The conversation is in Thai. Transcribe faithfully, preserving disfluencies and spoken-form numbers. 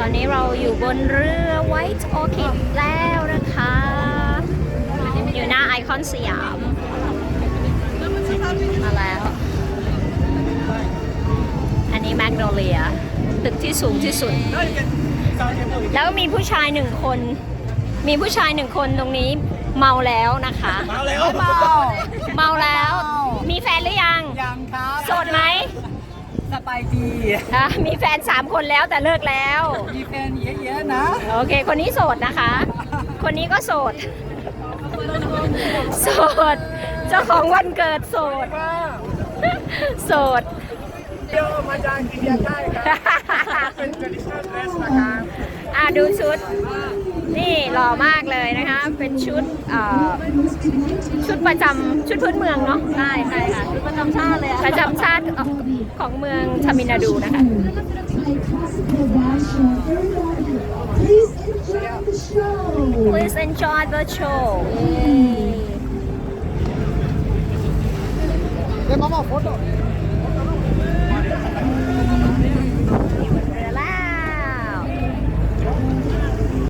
อนนี้เราอยู่บนเรือ White Orchid แล้วนะคะ อยู่หน้าไอคอนสยาม มาแล้ว อันนี้แมกโนเลีย ตึกที่สูงที่สุด แล้วมีผู้ชายหนึ่งคน มีผู้ชายหนึ่งคนตรงนี้เมาแล้วนะคะเมาแล้วเมาเมาแล้ว มีแฟนหรือยังยังครับโสดไหมสบายดีอ่ะมีแฟนสามคนแล้วแต่เลิกแล้วมีแฟนเยอะๆนะโอเค คนนี้โสดนะคะ คนนี้ก็โสด โสด เจ้าของวันเกิดโสด โสดเที่ยวมาจากอินเดียใต้ครับเป็น traditional dress นะครับอ่ะดูชุด นี่หล่อมากเลยนะคะ เป็นชุดเอ่อชุดประจำชุดพื้นเมืองเนาะใช่ใช่ค่ะชุดประจำชาติเลยประจำชาติของเมืองทามิลนาดูนะคะ Please enjoy the show 내 마마 포토